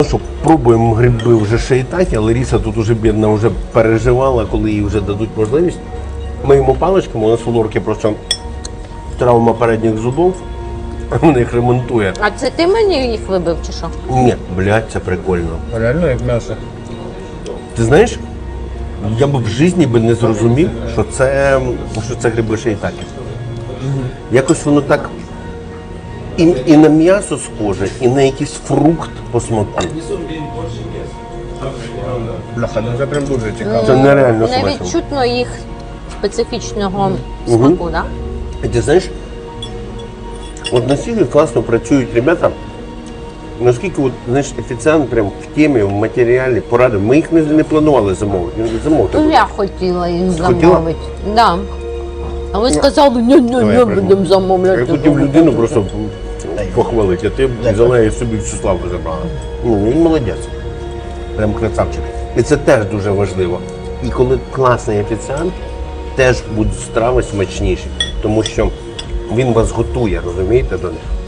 Що, пробуємо гриби вже шиїтаті, але Лариса тут уже бідна вже переживала, коли їй вже дадуть можливість. Ми йому паличками, у нас у Лорки просто травма передніх зубов, вона їх ремонтує. А це ти мені їх вибив чи що? Ні, блядь, це прикольно. Реально як м'ясо. Ти знаєш, я б в житті би не зрозумів, що це гриби шиїтакі. Якось воно так і на м'ясо схоже, і на якийсь фрукт по смаку. Бляха, ну це прям дуже цікаво. Це нереально Не смачно. відчутно їх специфічного смаку, так? І ти знаєш, от настільки класно працюють ребята, наскільки от, знаєш, офіціант прям в темі, в матеріалі порадив. Ми їх не планували замовити. Ну, я хотіла їх Хотіла? замовити. Да. А ви сказали, ні, будемо Я замовляти. хотів людину просто похвалити, а ти взяла і собі всю славу забрала. Ну, він молодець. Прям красавчик. І це теж дуже важливо. І коли класний офіціант, теж будуть страви смачніші, тому що він вас готує, розумієте, до них.